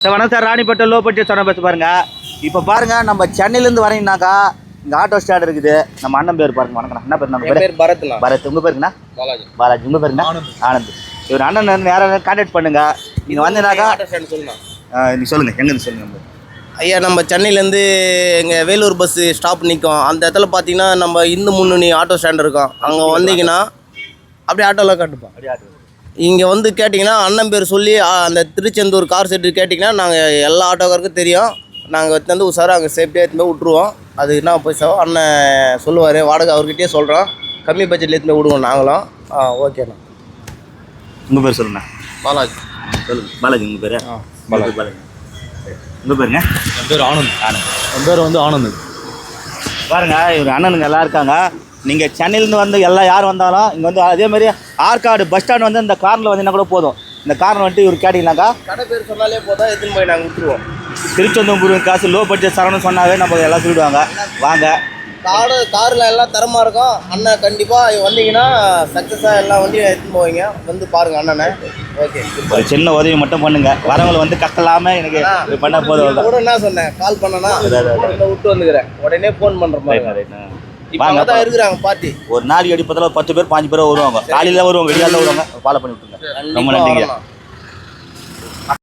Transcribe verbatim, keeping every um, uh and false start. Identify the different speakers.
Speaker 1: Sir வணக்கம் sir, Ranipet low budget சொன்ன bus பாருங்க. இப்போ பாருங்க, நம்ம சென்னையிலேருந்து வரீங்கன்னாக்கா இங்கே ஆட்டோ ஸ்டாண்ட் இருக்குது. நம்ம அண்ணன் பேர் பாருங்க. வணக்கம், என்ன பேர்? நம்ம பேர் பரத். பரத். உங்கள் பேருங்கண்ணா? பாலாஜி. பாலாஜி. உங்கள் பேருங்கண்ணா? ஆனந்த். இவர் அண்ணன் யாராவது கான்டாக்ட் பண்ணுங்க. நீங்கள் வந்தீங்கன்னாக்கா நீங்கள் சொல்லுங்கள், எங்கேருந்து சொல்லுங்கள்.
Speaker 2: ஐயா, நம்ம சென்னையிலேருந்து எங்கள் வேலூர் பஸ்ஸு ஸ்டாப் நிற்கும். அந்த இடத்துல பார்த்தீங்கன்னா நம்ம இந்து முன்னணி ஆட்டோ ஸ்டாண்ட் இருக்கும். அங்கே வந்தீங்கன்னா அப்படியே ஆட்டோவில் காட்டுப்போம். அப்படியே ஆட்டோ இங்கே வந்து கேட்டிங்கன்னா அண்ணன் பேர் சொல்லி அந்த திருச்செந்தூர் கார் செட்டு கேட்டிங்கன்னா நாங்கள் எல்லா ஆட்டோக்காருக்கும் தெரியும். நாங்கள் எடுத்து உஷாராக அங்கே சேஃப்டியாக எடுத்து போய் விட்ருவோம். அது என்ன பைசா அண்ணன் சொல்லுவார், வாடகை அவர்கிட்டயே சொல்கிறோம். கம்மி பட்ஜெட்டில் எடுத்து போய் விடுவோம் நாங்களும். ஆ ஓகேண்ணா.
Speaker 1: உங்கள் பேர் சொல்லுண்ணா.
Speaker 2: பாலாஜி.
Speaker 1: சொல்லுங்கள். பாலாஜி. உங்கள் பேர்? ஆ பாலாஜி. பாலாஜி. உங்கள் பேருங்க?
Speaker 3: என் பேர் ஆனந்த். ஆனந்த். என் பேர் வந்து ஆனந்த்.
Speaker 1: பாருங்க, இவர் அண்ணனுங்க எல்லாம் இருக்காங்க. நீங்கள் சென்னையிலேருந்து வந்து எல்லாம் யார் வந்தாலும் இங்கே வந்து அதேமாதிரி ஆற்காடு பஸ் ஸ்டாண்ட் வந்து இந்த காரில் வந்தீங்கன்னா கூட போதும். இந்த காரில் வந்துட்டு இவர் கேட்டிங்கனாக்கா
Speaker 2: கடை பேர் சொன்னாலே போதும், எடுத்துன்னு போய் நாங்கள் விட்டுருவோம்.
Speaker 1: திருச்செந்தூர் காசு லோ பட்ஜெட் சரவணன் சொன்னாவே நம்ம எல்லாம் சொல்லிவிடுவாங்க. வாங்க.
Speaker 2: காடு காரில் எல்லாம் தரமாக இருக்கும். அண்ணன் கண்டிப்பாக வந்தீங்கன்னா சக்ஸஸாக எல்லாம் வண்டியும் எடுத்துன்னு போவீங்க. வந்து பாருங்கள் அண்ணனை. ஓகே,
Speaker 1: ஒரு சின்ன உதவி மட்டும் பண்ணுங்க. வரவங்களை வந்து கஷ்டலாமல் எனக்கு பண்ண போதும்.
Speaker 2: கூட என்ன சொன்னேன், கால் பண்ணனா விட்டு வந்துக்கிறேன், உடனே ஃபோன் பண்ணுற மாதிரி. வாங்க தான் இருக்கிறாங்க பார்ட்டி.
Speaker 1: ஒரு நாளைக்கு அடிப்பதில் பத்து பேர் பாஞ்சு பேர் வருவாங்க. காலையில் வருவாங்க, வெளியால வருவாங்க. ஃபாலோ பண்ணி விட்டுருங்க. ரொம்ப நன்றிங்க.